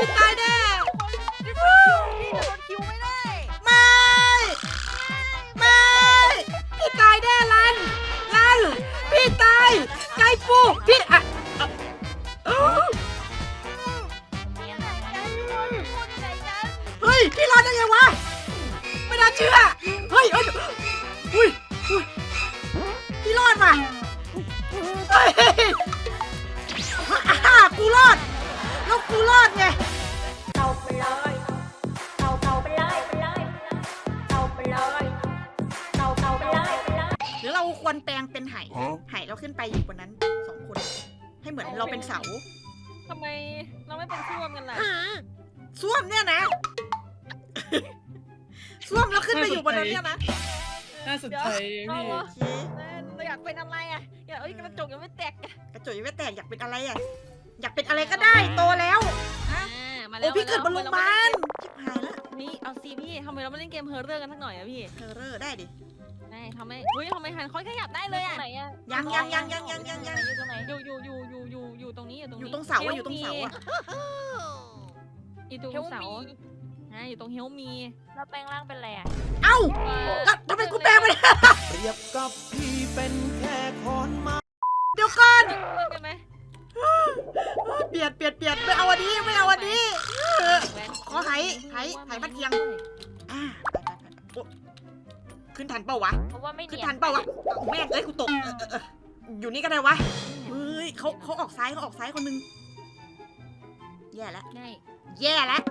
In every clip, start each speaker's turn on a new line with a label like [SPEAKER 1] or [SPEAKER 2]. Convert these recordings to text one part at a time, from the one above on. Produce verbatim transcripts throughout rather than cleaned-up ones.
[SPEAKER 1] พี่ตายแน่
[SPEAKER 2] พี่จะโดนคิวไม่ได้
[SPEAKER 1] ไม่ไม่พี่ตายแน่ลันลันพี่ตายไก่ปูพี่อะเฮ้ยพี่รอดได้ไงวะไม่น่าเชื่อเฮ้ยเฮ้ยอุ้ยอุ้ยพี่รอดว่ะเฮ้ยอ่ากูรอดแล้วกูรอดไง
[SPEAKER 3] เอาไปเลยเอาเอาไปเลยไปเลยเอาไปเลยเอาเอาไปเลยไปเลย
[SPEAKER 1] หรือเราควรแปลงเป็นไหไหเราขึ้นไปอยู่บนนั้นสองคนให้เหมือนเราเป็นเสา
[SPEAKER 2] ทำไมเราไม่เป็นส้วมกันล่ะ
[SPEAKER 1] ส้วมเนี่ยนะส้วมแล้วขึ้นไปอยู่บนนั้นเนี่ยนะ
[SPEAKER 4] น่าสนใจพี่
[SPEAKER 2] เราอยากเป็นอะไรอ่ะอยากเอ้ยกระจกยังไม่แตก
[SPEAKER 1] กระจกยังไม่แตกอยากเป็นอะไรอ่ะอยากเป็นอะไรก็ได้โตแล้วฮะโอ้พี่เกิดบนโรงพยาบาลชิบหายแล้ว
[SPEAKER 2] นี่เอาซีพี่ทำไมเราไม่เล่นเกมเฮอร์เรอร์กันสักหน่อยอะพี่
[SPEAKER 1] เฮอร์เรอร์ได้ดิ
[SPEAKER 2] ได้ทำไมเฮ้ยทำไมหันค่อยขยับได้เลยอะ
[SPEAKER 1] ยังยังยังยังยังยังยัง
[SPEAKER 2] อยู่ตรงไหนอยู่อยู่อยู่อยู่อยู่อยู่ตรงนี้อยู่ตรงนี้
[SPEAKER 1] อยู่ตรงเสาอะอยู่ตรงเสาอะ
[SPEAKER 2] อยู่ตรงเสาฮะอยู่ตรงเฮลมี
[SPEAKER 3] เราแปลงร่างเป็นอะไรอ่ะ
[SPEAKER 1] เอ้าทำไมกูแปลงไปเนี่ย
[SPEAKER 5] เปรียบกับพี่เป็นแค่คนมา
[SPEAKER 1] เดี๋ยวก่อน
[SPEAKER 2] ใช่ไหม
[SPEAKER 1] เปลี่ยนเปลี่ยนเปลี่ยนไม่เอาวันนี้ไม่เอาวันนี้ขอไหไหไหมัดเทียงอ่าไปไปไปขึ้นทันเปล่าวะ
[SPEAKER 3] เพราะว่าไม่
[SPEAKER 1] ขึ้นทันเปล่าวะแม่งเอ้ยกูตกอยู่นี่ก็ได้วะเฮ้ยเขาเขาออกซ้ายเขาออกซ้ายคนนึงแย่แล้วแย่แล้ว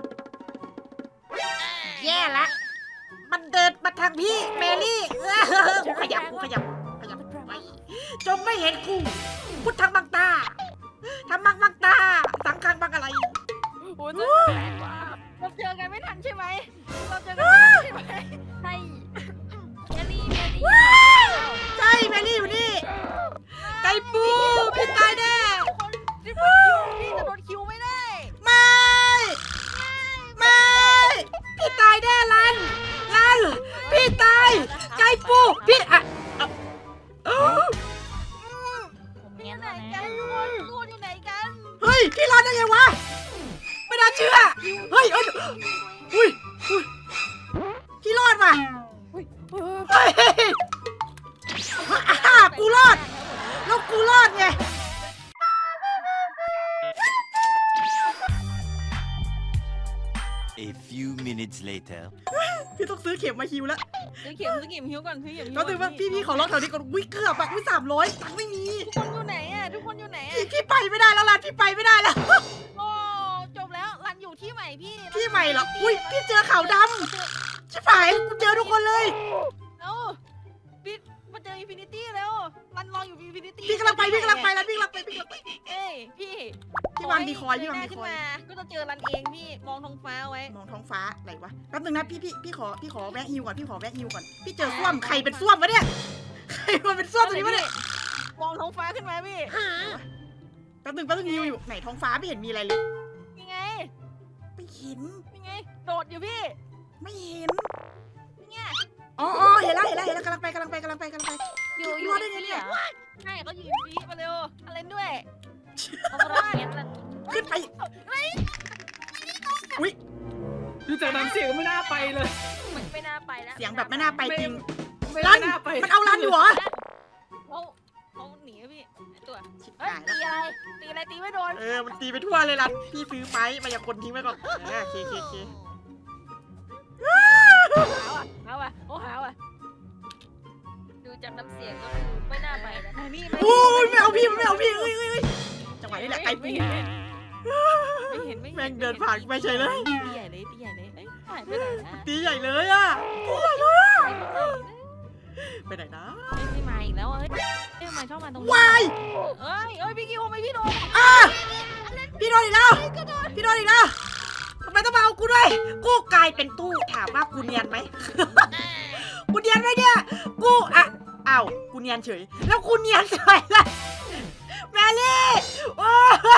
[SPEAKER 1] แย่แล้วมันเดินมาทางพี่เมลี่กูขยับกูขยับขยับไปจงไม่เห็นกูพุทธังบังตาทำบังบังตาสังคังบังอะไร
[SPEAKER 2] โอ้ยเราเจอกันไม่ทันใช่ไหมเราเจอกันไม่ทันใช่ไหม
[SPEAKER 3] ใช่เมลี่เมลี่
[SPEAKER 1] ใช่เมลี่อยู่นี่ไก่ปูพี่ตายแน่
[SPEAKER 2] พี่จะโดนคิวไม่ได้
[SPEAKER 1] ไม่ไม่พี่ตายแน่ลันลันพี่ตายไก่ปูพี่อะ
[SPEAKER 2] อยู่ไหนกันทุกคนทุกคนอยู่ไหนกัน
[SPEAKER 1] เฮ้ยพี่รอดได้ไงวะไม่น่าเชื่อเฮ้ยเฮ้ยอุ้ยอุ้ยพี่รอดว่ะเฮ้ยอ่ากูรอดแล้วกูรอดไง
[SPEAKER 5] A few minutes later
[SPEAKER 1] พี่ต้องซื้อเข็มมาฮิวแล้ว
[SPEAKER 2] ซื้อเข็มซื้อเข็มฮิวก่อนซื้อเข็มฮิว
[SPEAKER 1] ก็ถือว่าพี่พี่ขอลองแถวนี้ก่อนวิ่งเกือบแบบวิ่งสามร้อยตังค์ไม่มี
[SPEAKER 2] ทุกคนอยู่ไหนอ่ะทุกคนอยู่ไหนอ่ะ
[SPEAKER 1] พี่พี่ไปไม่ได้แล้วล่ะพี่ไปไม่ได้แล้ว
[SPEAKER 2] โอ้จบแล้วรันอยู่ที่ใหม่พี่
[SPEAKER 1] ที่ใหม่เหรออุ้ยพี่เจอขาวดำชิบหายกูเจอทุกคนเลย
[SPEAKER 2] เอ้าพี่มาเจออินฟินิตี้แล้วรันรออยู่อินฟินิตี้
[SPEAKER 1] พี่กำลังไปพี่กำลังไปแล้วพี่กำลังไปพี่กำลังไป
[SPEAKER 2] เอ้ยพี่
[SPEAKER 1] พี่วางดีคอยพี่วางดีคอย
[SPEAKER 2] ก็จะเจอรันเองพี่มองท้องฟ้าไว้
[SPEAKER 1] มองท้องฟ้าอะไรวะแป๊บนึงนะพี่พี่พี่ขอพี่ขอแวะฮิวก่อนพี่ขอแวะฮิวก่อนพี่เจอส้วมใครเป็นส้วมวะเนี่ยใครมันเป็นส้วมตัวนี้วะเนี่ย
[SPEAKER 2] มองท้องฟ้าขึ้นมาพี่
[SPEAKER 1] แป๊บนึงแป๊บนึงฮิวอยู่ไหนท้องฟ้าไม่เห็นมีอะไรเลย
[SPEAKER 2] ยังไง
[SPEAKER 1] ไม่เห็น
[SPEAKER 2] ยังไงโดดอยู่พี่
[SPEAKER 1] ไม่เห็น
[SPEAKER 2] เนี่ย
[SPEAKER 1] อ๋ออ๋อเห็นแล้วเห็นแล้วเห็นแล้วกำลังไปกำลังไปกำลังไปกำลังไป
[SPEAKER 2] อยู่
[SPEAKER 1] อยู่ได้ไงเนี่ย
[SPEAKER 2] ใช่เขาอยู่ฟีมาเร็วอะไรด้วย
[SPEAKER 3] เขารอดเงี้ยมัน
[SPEAKER 1] ขึ้นไปอุ้ย
[SPEAKER 4] ดูจากน้ำเสียงไม่น่าไปเลย
[SPEAKER 3] มันไม่น่าไปแล้ว
[SPEAKER 1] เสียงแบบไม่น่าไปจริง
[SPEAKER 4] รัน
[SPEAKER 1] มันเอารันอยู่เหรอ
[SPEAKER 2] เขาเขาหนีพี่ตัว
[SPEAKER 1] ตี
[SPEAKER 2] อะไรตีอะไรตีไม่โดน
[SPEAKER 1] เออมันตีไปทั่วเลยรันพี่ซื้อไม้มาอย่าคนทิ้งไว้ก่อนเออเคเคเค
[SPEAKER 2] หาวอ่ะหาวอ่ะโอ้หาวอ่ะ
[SPEAKER 3] ดูจากน้ำเสียงก็คือไม่น่าไปแล้ว
[SPEAKER 2] นี่
[SPEAKER 1] โอ้ยไม่เอาพี่ไม่เอาพี่เอ้ยเอ้ยจังหวะนี้แหละไก่ปู
[SPEAKER 2] ไม่เห็นไม่เห็น
[SPEAKER 1] แม่งเดินผ่านไปเฉยเลย
[SPEAKER 2] ตีใหญ่เลยตีใหญ่เลยเอ้ยหายไปไหนนะ
[SPEAKER 1] ตีใหญ่เลยอ่ะตีใหญ่เลยไปไหนนะ
[SPEAKER 2] ไม่มาอีกแล้วเฮ้ยทำไมชอบมาตรงนี้
[SPEAKER 1] วาย
[SPEAKER 2] เอ้ยเอ้ยพี่กิวทำไมพี่โดน
[SPEAKER 1] อ่ะพี่โดนอีกแล้วพี่โดนอีกแล้วทำไมต้องมาเอากูด้วยกูกลายเป็นตู้ถามว่ากูเนียนไหมกูเนียนไหมเนี่ยกูอ่ะอ้าวกูเนียนเฉยแล้วกูเนียนเฉยเลยแมรี่โอ้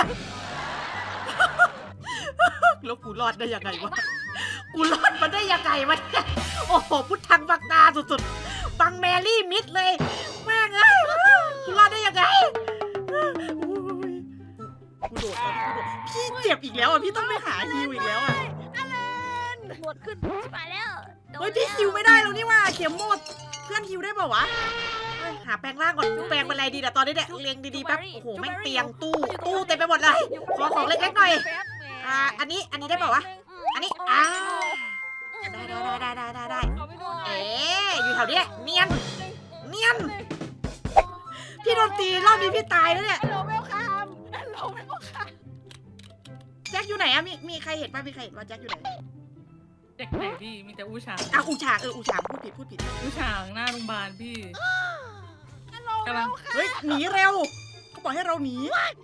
[SPEAKER 1] แล้วกูรอดได้ยังไงวะกูรอดมาได้ยังไงวะเนี่ยโอ้โหพุทธังบังตาสุดๆบังแมรี่มิดเลยแม่งเอ้ยกูรอดได้ยังไงกูโดดพี่เจ็บบอีกแล้วอ่ะพี่ต้องไปหาฮิวอีกแล้วอ่ะ
[SPEAKER 2] หมดขึ้นชิบหายแล้วโดน
[SPEAKER 1] เฮ้ยพี่ฮิวไม่ได้แล้วนี่ว่าเข็มหมดเพื่อนฮิวได้เปล่าวะเฮ้ยหาแปลงร่างก่อนแปลงเป็นอะไรดีแต่ตอนนี้เนี่ยเรียงดีๆแป๊บโอ้โหแม่งเตียงตู้ตู้เต็มไปหมดเลยขอของเล็กๆหน่อยอ่าอันนี้อันนี้ได้เปล่าวะอันนี้อ่าได้ได้ได้ได้ได้ได้
[SPEAKER 2] เอาไปดูหน่อย
[SPEAKER 1] เอ๊ะอยู่แถวเนี้ยเนียนเนียนพี่โดนตีรอบนี้พี่ตายแล้วเนี่ย
[SPEAKER 2] ฮัลโหลเวลคัมฮัลโหลเวลคัม
[SPEAKER 1] แจ็คอยู่ไหนอะมีมีใครเห็นป่ะมีใครเห็นว่าแจ็คอยู่ไหน
[SPEAKER 4] เด็กไหนพี่มีแต่อูฉาง
[SPEAKER 1] อ่ะอูฉางเอออูฉางพูดผิดพูดผิด
[SPEAKER 4] อูฉางหน้าโรงพยาบาลพี่
[SPEAKER 2] ฮัลโหล
[SPEAKER 4] กำลัง
[SPEAKER 1] เฮ้ยหนีเร็วเขาบอกให้เราหนี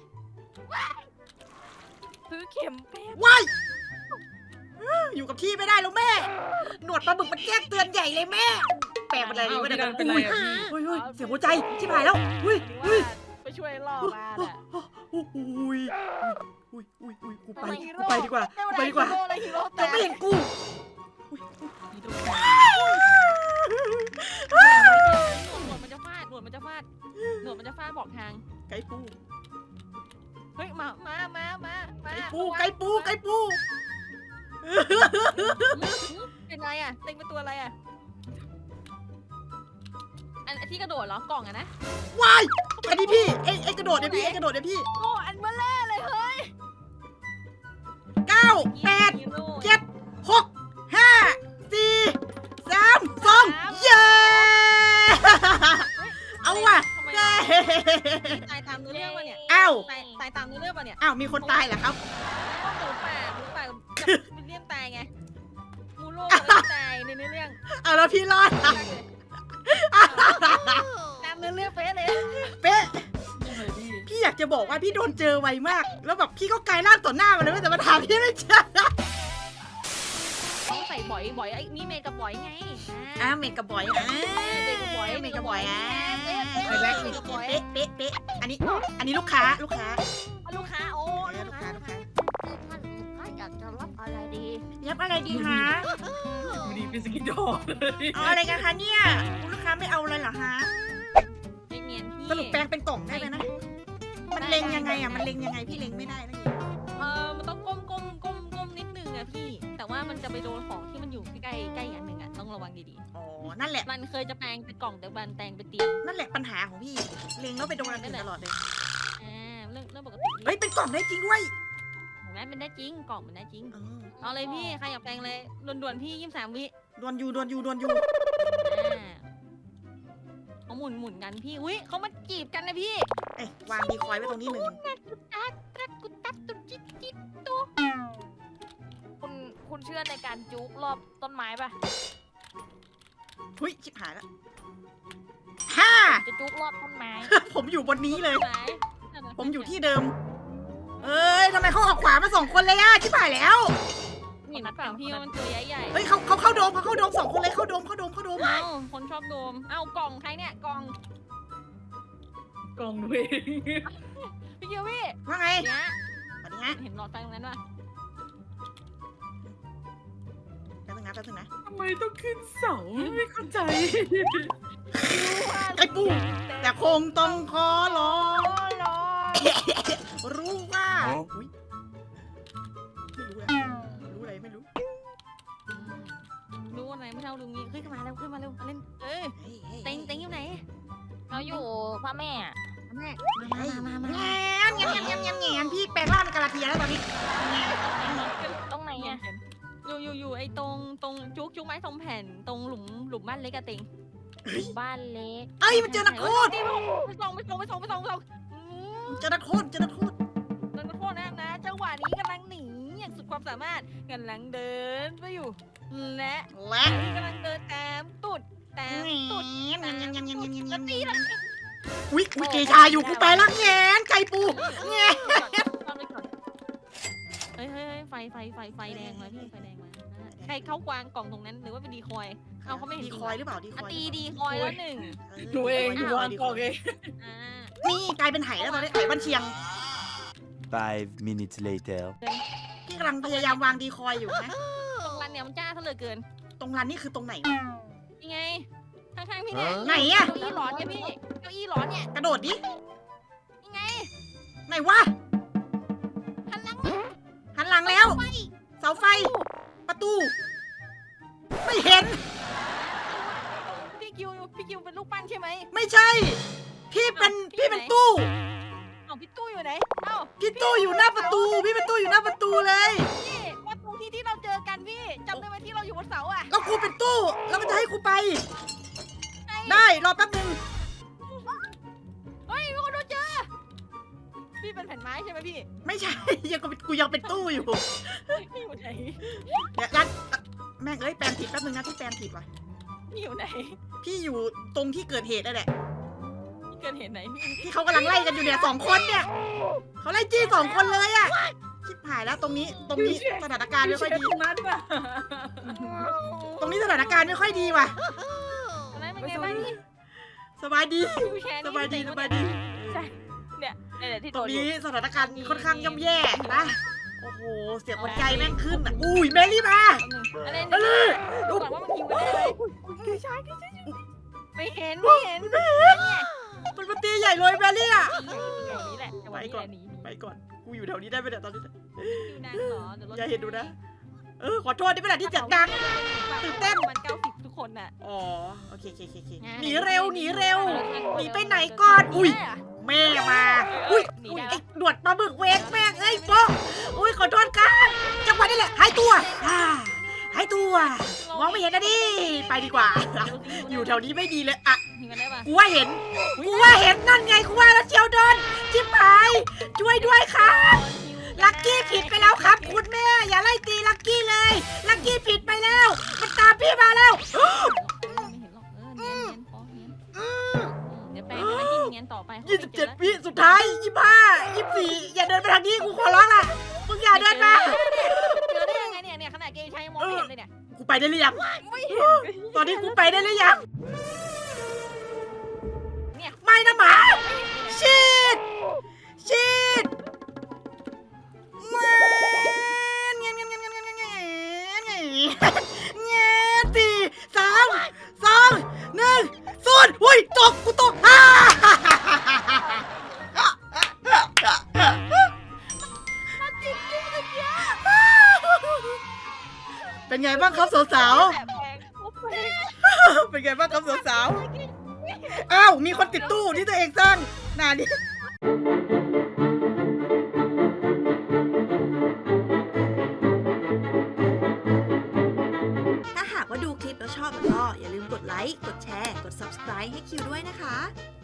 [SPEAKER 2] ซื้อเข็มแป๊บ
[SPEAKER 1] ว้ายอยู่กับที่ไม่ได้แล้วแม่ หนวดปลาบึกมันแจ้งเตือนใหญ่เลยแม่ แปลกเป็นอะไรดี
[SPEAKER 4] เอา
[SPEAKER 1] วะ
[SPEAKER 4] พี่
[SPEAKER 1] เนี่ย
[SPEAKER 4] ดันเป็นไรอะพี่
[SPEAKER 1] เฮ้ยเฮ้ยเสียงหัวใจชิบหายแล้วเฮ้ยเฮ้ย
[SPEAKER 2] ไปช่วยล่อมาแหละ
[SPEAKER 1] อุ้ยอุ้ยอุ้ยอุ้ยอุ้ยกูไปกูไปดีกว่ากูไปดีกว่า
[SPEAKER 2] ฮีโร่เลยฮีโร่แต่
[SPEAKER 1] จะไม่เห็นกู
[SPEAKER 2] หนวดมันจะฟาดหนวดมันจะฟาดหนวดมันจะฟาดบอกทาง
[SPEAKER 1] ไก่ปู
[SPEAKER 2] เฮ้ยมามามามามา
[SPEAKER 1] ไก่ปูไก่ปูไก่ปู
[SPEAKER 2] เป็นไรอ่ะเต็งเป็นตัวอะไรอ่ะอันที่กระโดดเหรอกล่องอะนะ
[SPEAKER 1] ว้ายอันนี้พี่ไอ้ไอ้กระโดดเนี่ยพี่ไอ้กระโดดเนี่ยพี่
[SPEAKER 2] โอ้อันเบลเล่เลยเฮ้ย
[SPEAKER 1] เก้าแปด
[SPEAKER 2] ฮีโร่
[SPEAKER 1] เจ็ดหกห้าสี่สามสองเย้ เอาว่ะ
[SPEAKER 2] ทำไม
[SPEAKER 1] เย้
[SPEAKER 2] ตายตามเนื้อเรื่องวะเนี่ย
[SPEAKER 1] อ้าว
[SPEAKER 2] ตายตายตามเนื้อเรื่องวะเนี่ย
[SPEAKER 1] อ้าวมีคนตายเหรอครับ
[SPEAKER 2] หมูป่าหมูป่ากับวิลเลียมตายไงมูโร่กับตายในเนื้อเรื่อง
[SPEAKER 1] เอาแล้วพี่รอด
[SPEAKER 2] ตามเนื้อเรื่องเป๊ะเลย
[SPEAKER 1] เป๊ะ
[SPEAKER 4] นี่เลยพี่
[SPEAKER 1] พี่อยากจะบอกว่าพี่โดนเจอไวมาก แล้วแบบพี่ก็กลายร่างต่อหน้ามันเลยแต่มาถามพี่ไม่เจอ
[SPEAKER 2] ต้องใส่บ่อยบ่อยไอ้นี่เมย์กับบ่อยไง
[SPEAKER 1] อ่ะเมกะบอยอ่ะ
[SPEAKER 2] เมย์กับบ่อย
[SPEAKER 1] เมกะบอยอ่ะ
[SPEAKER 2] เป๊ะเป๊ะ
[SPEAKER 1] เป๊ะ
[SPEAKER 2] เมย์กับบ่อย
[SPEAKER 1] เป๊ะเป๊ะเป๊ะอันนี้ อันนี้ลูกค้าลูกค้า
[SPEAKER 2] ลูกค้าโอ้
[SPEAKER 1] เออลูกค้าลูกค้า
[SPEAKER 2] ท่านลูกค้าอยากจะรับอะไรดี
[SPEAKER 1] ยับอะไรดีคะ
[SPEAKER 4] วันนี้เป็นสกินดอเลย
[SPEAKER 1] เอาอะไรกันคะเนี่ยคุณลูกค้าไม่เอาเลยเหรอฮะ
[SPEAKER 2] ไม่เนียนพี่
[SPEAKER 1] สรุปแปลงเป็นกล่องได้ไหมนะ มันเล็งยังไงอ่ะ มันเล็งยังไงพี่เล็งไม่ได้นะ
[SPEAKER 2] เออมันต้องก้มก้มก้มก้มนิดนึงอะพี่ แต่ว่ามันจะไปโดนของที่มันอยู่ใกล้ใกล้อันหนึ่งอะต้องระวังดี
[SPEAKER 1] อ๋อ นั่นแหละ
[SPEAKER 2] ๆ มันเคยจะแปลงเป็นกล่องแต่บันแปลงเป็นเตียง
[SPEAKER 1] นั่นแหละปัญหาของพี่ เล็งแล้วไปโดนอันอื่นตลอดเลย
[SPEAKER 2] อ่าเรื่องเรื่องปกติ
[SPEAKER 1] เฮ้ย เป็นกล่องได้จริงด้วย
[SPEAKER 2] เห็นไหมมันได้จริงกล่องมันได้จริง
[SPEAKER 1] เออ
[SPEAKER 2] เอาเลยพี่ใครอยากแปลงเลยด่วนๆพี่ยี่สิบสามวิ
[SPEAKER 1] ดวนยูดวนยูดวนยู
[SPEAKER 2] อ่าเขาหมุนหมุนกันพี่อุ้ยเขามาจีบกันนะพี่
[SPEAKER 1] เอ้ยวางดีคอยไว้ตรงนี้หนึ่ง
[SPEAKER 2] กุตัดตรักกุตัดตุจิตจิตตุ
[SPEAKER 3] คุณคุณเชื่อในการจุกรอบต้นไม้ปะ
[SPEAKER 1] หุ้ยชิบหายแล้วห้า
[SPEAKER 3] จะจุกรอบต้นไม้
[SPEAKER 1] ผมอยู่บนนี้เลย
[SPEAKER 2] ไหน
[SPEAKER 1] ผมอยู่ที่เดิม เอ้ยทำไมเขาออกขวามาสองคนเลยอะชิบหายแล้ว
[SPEAKER 2] เห็นฝั่งพี่ว่ามันตัวใหญ่
[SPEAKER 1] เฮ้ยเขาเขาเข้าโดมเขาเข้าโดมสองคนเลยเข้าโดมเข้าโดมเข้าโดม
[SPEAKER 2] ๆเอ้าคนชอบโดมเอ้ากล่องใครเนี่ยกล่อง
[SPEAKER 4] กล่องด้วย
[SPEAKER 2] พี่เกียวพี่
[SPEAKER 1] ว่าไง
[SPEAKER 2] เนี่ย
[SPEAKER 1] สวัสดีฮะ
[SPEAKER 2] เห็นหลอดไฟตรงนั้นป่ะ
[SPEAKER 1] แป๊บนึงนะแป๊บนึงนะ
[SPEAKER 4] ทำไมต้องขึ้นเสาไม่เข้าใจ
[SPEAKER 1] ไอ้ปูแต่คงต้องขอร้อง
[SPEAKER 2] รอ
[SPEAKER 1] รู้ว่าอุ๊ยไม่รู้อะรู้อะไรไม่รู้
[SPEAKER 2] รู้อะไรไม่เท่าลุงนี้ขึ้นมาเร็วขึ้นมาเร็วมาเล่นเอ้ย
[SPEAKER 1] เฮ้ยฮ้ย
[SPEAKER 2] เต็งเต็งอยู่ไหน
[SPEAKER 3] เราอยู่พระแม่
[SPEAKER 2] แม่
[SPEAKER 1] เฮ้ย
[SPEAKER 2] มามามา
[SPEAKER 1] แงนแงนแงนแงนแงนแงนพี่แปลงร่างเป็นกาลาเทียแล้วตอนนี้แงน
[SPEAKER 3] ตรงไหนอ่ะ
[SPEAKER 2] อยู่อยู่อยู่ไอ้ตรงตรงจุกจุกไม้ทรงแผ่นตรงหลุมหลุมบ้านเล็กอะเต็ง
[SPEAKER 3] บ้านเล็ก
[SPEAKER 1] เอ้ยมันเจอนักโทษ
[SPEAKER 2] ไปส่งไปส่งไปส่งไปส่งไปส่งอืม
[SPEAKER 1] เจอนักโทษเจอนักโทษ
[SPEAKER 2] นักโทษนะนะจังหวะนี้กำลังหนีอย่างสุดความสามารถกำลังเดินไปอยู่และ
[SPEAKER 1] และ
[SPEAKER 2] กำลังเดินตามตุดตามตุด
[SPEAKER 1] แงนแงนแงนแงนแงนแงนแง
[SPEAKER 2] แล้ว
[SPEAKER 1] น
[SPEAKER 2] ตีแล้ว
[SPEAKER 1] อุ๊ยอุ๊ยเกชาอยู่กูไปละแงนไก่ปูแงน
[SPEAKER 2] เฮ้ยเฮ้ยไฟไฟไฟไฟแดงมาพี่ไฟแดงมาใครเข้ากวางกล่องตรงนั้นหรือว่าเป็นดีคอยเอาเขาไม่เห็น
[SPEAKER 1] ดีคอยหรือเปล่าดีคอย
[SPEAKER 2] ตีดีคอยแล้วหนึ่ง
[SPEAKER 4] หนูเองหนูวางกล่องเอง
[SPEAKER 2] อ่า
[SPEAKER 1] นี่กลายเป็นไหแล้วตอนนี้ไหบันเชียง
[SPEAKER 5] Five minutes later.
[SPEAKER 1] พี่กำลังพยายามวางดีคอยอยู่นะ
[SPEAKER 2] ตรงรันเนี่ยมันจ้าซะเหลือเกิน
[SPEAKER 1] ตรงรันนี่คือตรงไหน
[SPEAKER 2] ยังไงข้างๆพี่เนี่ย
[SPEAKER 1] ไหนอะ
[SPEAKER 2] เก้าอี้ร้อนเนี่ยพี่เก้าอี้ร้อนเนี่ย
[SPEAKER 1] กระโดดดิ
[SPEAKER 2] ยังไง
[SPEAKER 1] ไหนวะ
[SPEAKER 2] หันหลังมา
[SPEAKER 1] พี่ตู้อยู่หน้าประตู พี่เป็นตู้อยู่หน้าประตูเลย
[SPEAKER 2] พี่ว่าตรงที่ที่เราเจอกันพี่จำได้ไหมที่เราอยู่บนเสาอ่ะ
[SPEAKER 1] แล้วกูเป็นตู้ แล้วมันจะให้กูไป ได้รอแป๊บนึง
[SPEAKER 2] เฮ้ยมีคนโดนเจอพี่เป็นแผ่นไม้ใช่ไหมพี่
[SPEAKER 1] ไม่ใช่ ยังกูกูยังเป็นตู้อยู่
[SPEAKER 2] พี่อยู่ไหน
[SPEAKER 1] เดี๋ยวรันแม่งเอ้ยแปลงผิดแป๊บนึงนะที่แปลงผิดว่ะ
[SPEAKER 2] พี่อยู่ไหน
[SPEAKER 1] พี่อยู่ตรงที่เกิดเหตุนั่นแหละ
[SPEAKER 2] พี่เกิดเห็นไหนพี่
[SPEAKER 1] ที่เขากำลังไล่กันอยู่เนี่ยสองคนเนี่ยเขาไล่จี้สองคนเลยอะชิบหายแล้วตรงนี้ตรงนี้สถานการณ์ไม่ค่อยดี
[SPEAKER 4] ตรงนั้นน่ะ
[SPEAKER 1] ตรงนี้สถานการณ์ไม่ค่อยดีว่ะ
[SPEAKER 2] อะไรเป็นไงบ้างพี่
[SPEAKER 1] สบายดี
[SPEAKER 2] วิวแชร์
[SPEAKER 1] สบายดีสบายดี
[SPEAKER 2] เนี่ยเนี่ยที่
[SPEAKER 1] ต
[SPEAKER 2] โด
[SPEAKER 1] รง
[SPEAKER 2] นอ
[SPEAKER 1] นี้
[SPEAKER 2] ยู่
[SPEAKER 1] สถานการณ์ค่อนข้างย่ำแย่นะโอ้โหเสียงหัวใจแม่งขึ้นอะอุ้ยเมลี่มา
[SPEAKER 2] อะไร
[SPEAKER 1] เม
[SPEAKER 2] เนี่ย
[SPEAKER 1] ลี่
[SPEAKER 2] ดูก่อนว่ามันหิวกันได้ไหม
[SPEAKER 4] คือใช่
[SPEAKER 2] ไม่เห็นไม่เห็นเนี่ย
[SPEAKER 1] มันมาตีใหญ่เลยเมลี่อะ
[SPEAKER 2] นี่แหละจังหวะนี้แหละหนีหนี
[SPEAKER 1] ไปก่อนกูอยู่แถวนี้ได้ไหมเนี่ยตอนนี้
[SPEAKER 2] คิวนางเหรอเดี๋ยวรถ
[SPEAKER 1] อย่าเห็นดูนะ เออขอโทษที่เป็นอะไรที่เสียงดัง ตื่นเต้น
[SPEAKER 2] มันเก้าสิบทุกคนน่ะ
[SPEAKER 1] อ๋อโอเคโอเคโอเคหนีเร็วหนีเร็ว หนีไปไหนก่อน อุ้ย แม่มา อุ้ยอุ้ยไอ้หนวดปลาหมึกเวกแม่งเอ้ยโป๊ะอุ้ยขอโทษครับจังหวะนี้แหละหายตัวอ่าหายตัว มองไม่เห็นนะดิ ไปดีกว่า อยู่แถวนี้ไม่ดีเลยอะ
[SPEAKER 2] หิวกันได้ปะ
[SPEAKER 1] กูว่าเห็น กูว่าเห็นนั่นไง กูว่าแล้วเชียวโดนชิบหาย ช่วยด้วยครับ ลักกี้ผิดไปแล้วครับ คุณแม่ อย่าไล่ตีลักกี้เลย ลักกี้ผิดไปแล้ว มันตามพี่มาแล้ว
[SPEAKER 2] ไม่เห็นหรอกเออเนียนเนียนพอเนียนเดี๋ยวแปลงให้ที่เนียนต่อไป
[SPEAKER 1] ยี่สิบเจ็ดวิสุดท้ายยี่สิบห้ายี่สิบสี่อย่าเดินไปทางนี้กูขอร้องล่ะมึงอย่าเดินมา
[SPEAKER 2] เจอได้ยังไงเนี่ยเนี่ยขนาดเกย์ใช้ยังมองไม่เห็นเลยเนี่ย
[SPEAKER 1] กูไปได้หรือยัง
[SPEAKER 2] ไม่เห็น
[SPEAKER 1] ตอนนี้กูไปได้หรือยัง
[SPEAKER 2] เนี่ย
[SPEAKER 1] ไม่นะหมาชีดชีดเงี้ยเงี้ยเงี้ยเงี้ยเงี้ยเงี้ยเงี้ยเงี้ยสี่สามสองหนึ่งศูนย์อุ้ยตกกูตกอ่า เป็นไงบ้างครับสาว
[SPEAKER 2] แบบแปลงโอ้แปลง
[SPEAKER 1] ๆ เป็นไงบ้างครับสาวๆ อ้าว มีคนติดตู้ที่ตัวเองสร้างนานี่ถ้าหากว่าดูคลิปแล้วชอบก็อย่าลืมกดไลค์ กดแชร์ กด ซับสไครบ์ ให้คิวด้วยนะคะ